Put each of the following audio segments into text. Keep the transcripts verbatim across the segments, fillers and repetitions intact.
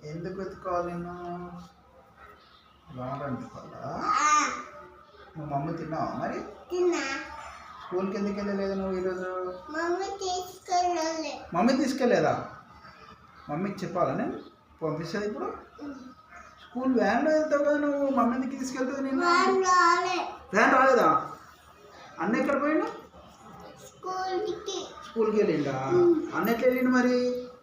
ఎందుకు వెతుకోవాలి నేను రావడం వెతుకోవాలా? నువ్వు మమ్మీ తిన్నావా మరి? తిన్నా. స్కూల్కి ఎందుకు వెళ్ళలేదు నువ్వు ఈరోజు? మమ్మీ తీసుకెళ్ళలే. మమ్మీ తీసుకెళ్ళలేదా? మమ్మీకి చెప్పాలా నేను పంపిస్తుంది ఇప్పుడు? స్కూల్ వ్యాన్లో వెళ్తావు కదా నువ్వు, మమ్మీ ఎందుకు తీసుకెళ్తుంది నేను? వ్యాన్ రాలేదా? అన్న ఎక్కడ పోయిండు? స్కూల్కి. స్కూల్కి వెళ్ళిండా? అన్న ఎట్లా వెళ్ళిండు మరి?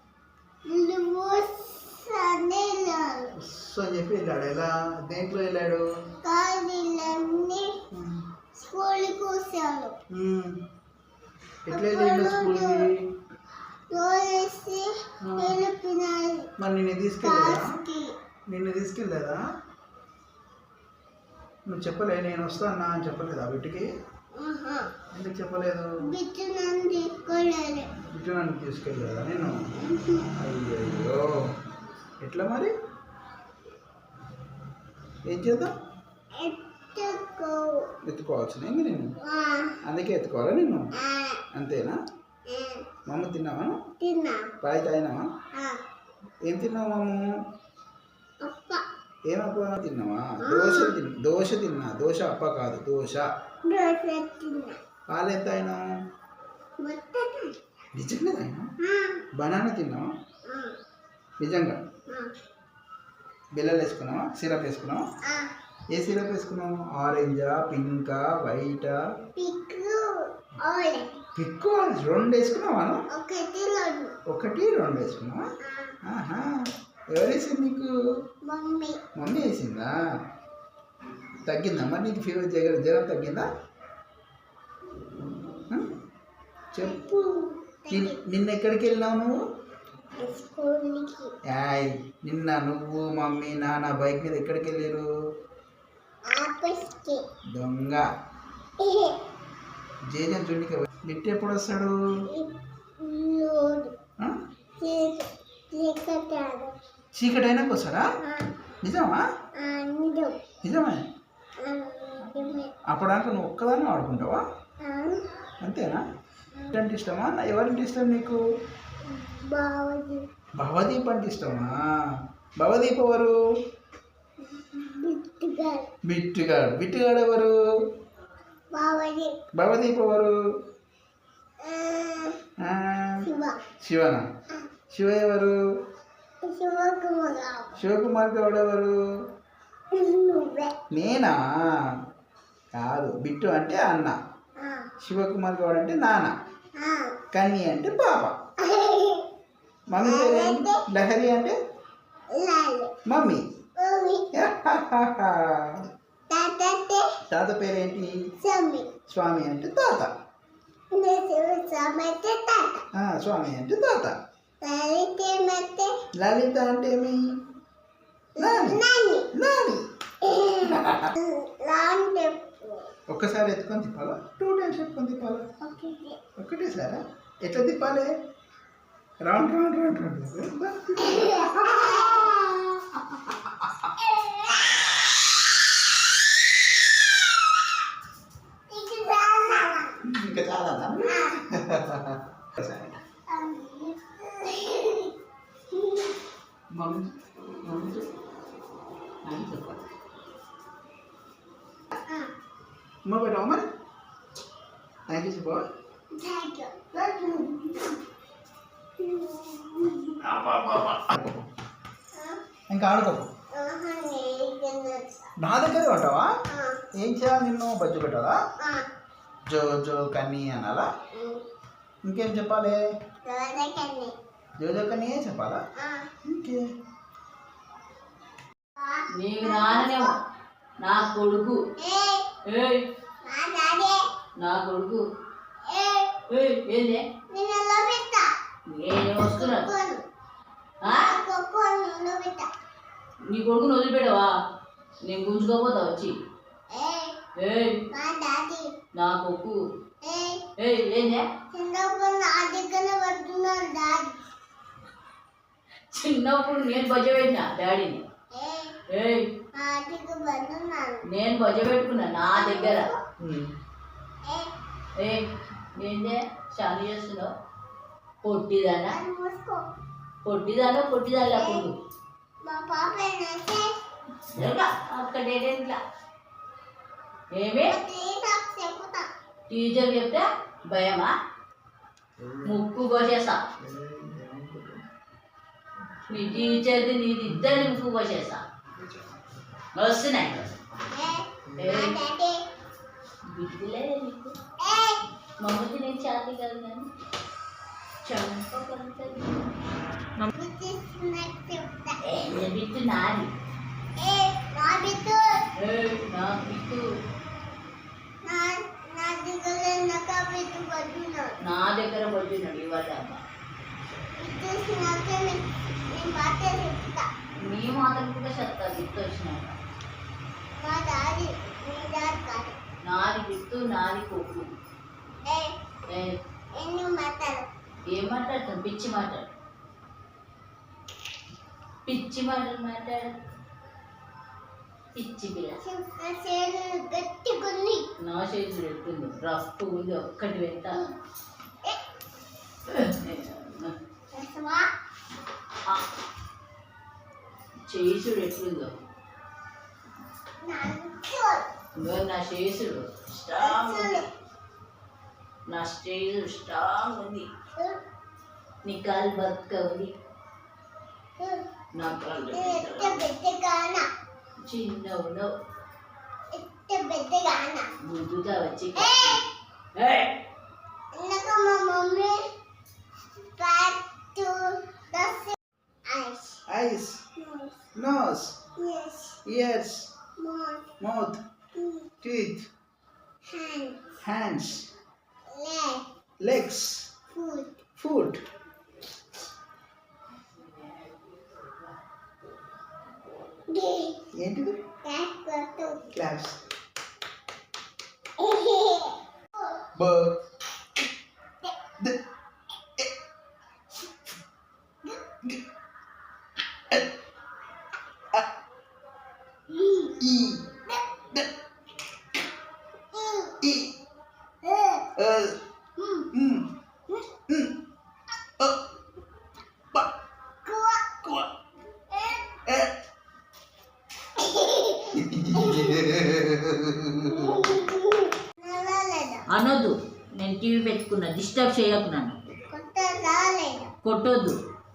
సో అని చెప్పి వెళ్ళాడు. ఎలా దేంట్లో వెళ్ళాడు? స్కూల్కి వచ్చాడు. ఎట్లా వెళ్ళిండు స్కూల్కి? మరి నిన్ను తీసుకెళ్ళలేదా? నిన్ను తీసుకెళ్ళలేదా? నువ్వు చెప్పలే నేను వస్తానా అని చెప్పలేదా వీటికి? ఎందుకు చెప్పలేదు? బిట్టు నన్ను తీసుకెళ్ళలేదా నేను? అయ్యో ఎట్లా మరి? ఏం చేద్దాం? ఎత్తుకోవాల్సిన ఏంది నేను? అందుకే ఎత్తుకోవాలా నిన్ను? అంతేనా? మమ్మ తిన్నావా? పాయ్ తాగినావా? ఏం తిన్నావు మమ్మ? ఏమప్ప తిన్నావా? దోశ తిన్నా. దోశ తిన్నా. దోశ అప్ప కాదు, దోశ. పాలు ఎంత అయినావు? నిజంగా తాగినా? బనానా తిన్నావా? నిజంగా? బిల్లలు వేసుకున్నావా? సిరప్ వేసుకున్నావా? ఏ సిరప్ వేసుకున్నావు? ఆరెంజా, పింకా, వైటా? Pick orange. రెండు వేసుకున్నావా? ఒకటి రెండు వేసుకున్నావా? ఆహా, ఎవరు వేసింది నీకు? మమ్మీ. మమ్మీ వేసిందా? తగ్గిందా మరి నీకు? ఫీవర్ జ్వరం జ్వరం తగ్గిందా? చెప్పు. నిన్న ఎక్కడికి వెళ్ళినావు నువ్వు? యాయ్, నిన్న నువ్వు మమ్మీ నాన్న బైక్ మీద ఎక్కడికి వెళ్ళారు? దొంగ. జేజన్ చూడికి లిట్ ఎప్పుడు వస్తాడు? చీకటి అయినాక వస్తాడా? నిజమా? నిజమే. అప్పటిదాకా నువ్వు ఒక్కదాన్ని ఆడుకుంటావా? అంతేనా? అంటే ఇష్టమా? ఎవరింటి ఇష్టం నీకు? భవదీప్ అంటే ఇష్టమా? భవదీప్ ఎవరు? బిట్టుగాడు. బిట్టుగాడు ఎవరు? భవదీప్ ఎవరు? శివనా? శివ ఎవరు? శివకుమార్ గౌడ్ ఎవరు? నేనా? కాదు, బిట్టు అంటే అన్న, శివకుమార్ గౌడ్ అంటే నాన్న, కన్నీ అంటే పాప, మమ్మీ పేరు లహరి అంటే మమ్మీ. తాత పేరేంటి? స్వామి అంటే తాత. స్వామి అంటే తాత. లలిత అంటే ఏమి? నాని. ఒక్కసారి ఎత్తుకొని తిప్పాలా? టూ టైమ్స్ ఎత్తుకొని తిప్పాలా? ఒకటేసారా? ఎట్లా తిప్పాలి? Round round round round. ఇంకా చాలా మమ్మీ మమ్మీ చెప్పాలి. అమ్మ పెట్టావా మరి? థ్యాంక్ యూ చెప్పవా? ఇంకా ఆడుకోకు. నా దగ్గరే ఉంటావా? ఏం చేయాలి నిన్ను? బజ్జు పెట్టాలా? జో జో కన్నీ అనాలా? ఇంకేం చెప్పాలి? జో జో కన్నీ చెప్పాలా? ఇంకే నీకు నాన్ననేమో నా కొడుకు. నా కొడుకు ఏంది? నేను వస్తున్నా. నీ కొడుకుని వదిలిపెట్టవా? నేను గుంజుకోపోతా వచ్చి. నా కొడుకు ఏందే? చిన్నప్పుడు నేను బజ్జ పెట్టినా డాడీని. నేను బజ్జ పెట్టుకున్నా నా దగ్గర. ఏందే చాలు చేస్తున్నావు? పొట్టిదానా? పొట్టిదానా? పొట్టిదానా? కొడుకు మా పాప ఏంటంటే జరగా అక్క డేడేంట్లా ఏమి చెప్తా టీచర్ చెప్తే భయమా ముక్కు కోసేస్తా నీ టీచర్ది నీది ఇద్దరిని ముక్కు కోసేస్తా వస్తున్నాయి బిడ్డలే నీకు మమ్మల్ని నేను చాతి కాదు కానీ చంపగలుగుతుంది బిట్టు నాది నా బిట్టు నా దగ్గర పడుతున్నాడు ఇవాళ అమ్మ నీ మాత్రం కూడా చెప్తా బిట్టు వచ్చినాక నాది బిట్టు నాది కొక్కు ఏం మాట్లాడతాను పిచ్చి మాట్లాడు పిచ్చి మాటలు మాట్లాడు పిచ్చి పిల్ల గట్టిగుంది నా చేతులు ఎట్టుంది రఫ్ ఉంది ఒక్కటి వెంట చేసుడు ఎట్లుందో నా చేసుడు స్ట్రాంగ్ ఉంది నా స్టేజ్ స్ట్రాంగ్ ఉంది నీ కాలు బతుక ఉంది నా కాళ్ళు చిన్న ఉండవు ముద్దుగా వచ్చి eyes, nose, ears, mouth, teeth, hands, legs, foot. ఏంటిది క్లాప్స్ బ ద గ ఎ అ ఈ ద ఈ అ మ్ మ్ అ బ కువ ఎ అనొద్దు నేను టీవీ పెట్టుకున్నా డిస్టర్బ్ చేయకు నన్ను కొట్టొద్దు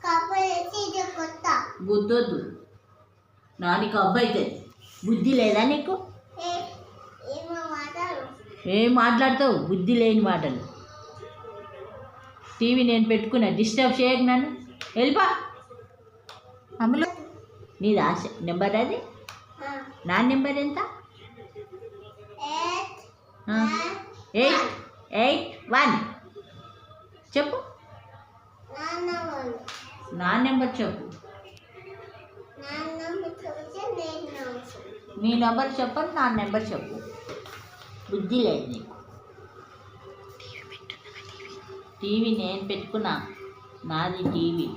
గుద్దొద్దు నా నీకు అబ్బాయి అవుతుంది బుద్ధి లేదా నీకు ఏం మాట్లాడతావు బుద్ధి లేని మాటలు టీవీ నేను పెట్టుకున్నా డిస్టర్బ్ చేయకు నన్ను వెళ్ళిపా అమలు నీది ఆశ నెంబర్ అది నా నెంబర్ ఎంత ఎయిట్ ఎయిట్ వన్ చెప్పు నా నెంబర్ చెప్పు నీ నెంబర్ చెప్పను నా నెంబర్ చెప్పు బుద్ధి లేదు నీకు టీవీ నేను పెట్టుకున్నా నాది టీవీ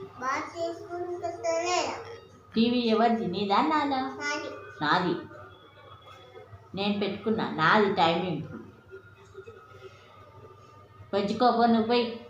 టీవీ ఎవరిది నీదా నాదా నాది నేను పెట్టుకున్నా నాది టైమింగ్ పెంచుకోపో నువ్వు పోయి